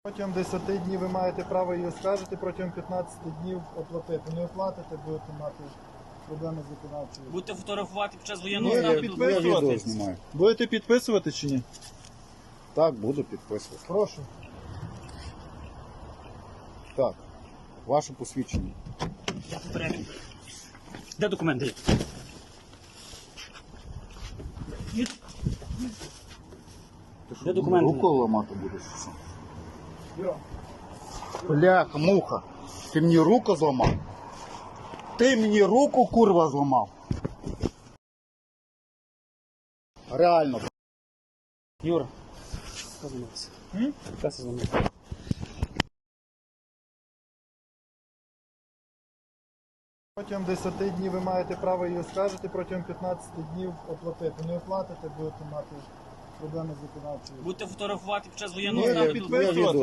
Протягом 10 днів ви маєте право її оскаржити, протягом 15 днів оплатити. Не оплатите, будете мати проблеми з виконавчою. Будете фотографувати під час воєнного Ні, стану. я підписую. відео знімаю. Будете підписувати чи ні? Так, буду підписувати. Прошу. Так, ваше посвідчення. Я попередньо. Де документи? Ти що, Де документи? руку ламати будеш? чи що? Йо. Бляха, муха. Ти мені руку зламав? Ти мені руку, курва, зламав? Реально. Юра, що зламався? Що це зламався? Протягом 10 днів ви маєте право її оскаржити, протягом 15 днів оплатити. Не оплатите, будете мати проблеми з виконавчою. Будете фотографувати під час воєнного Ні, я стану. підписую. відео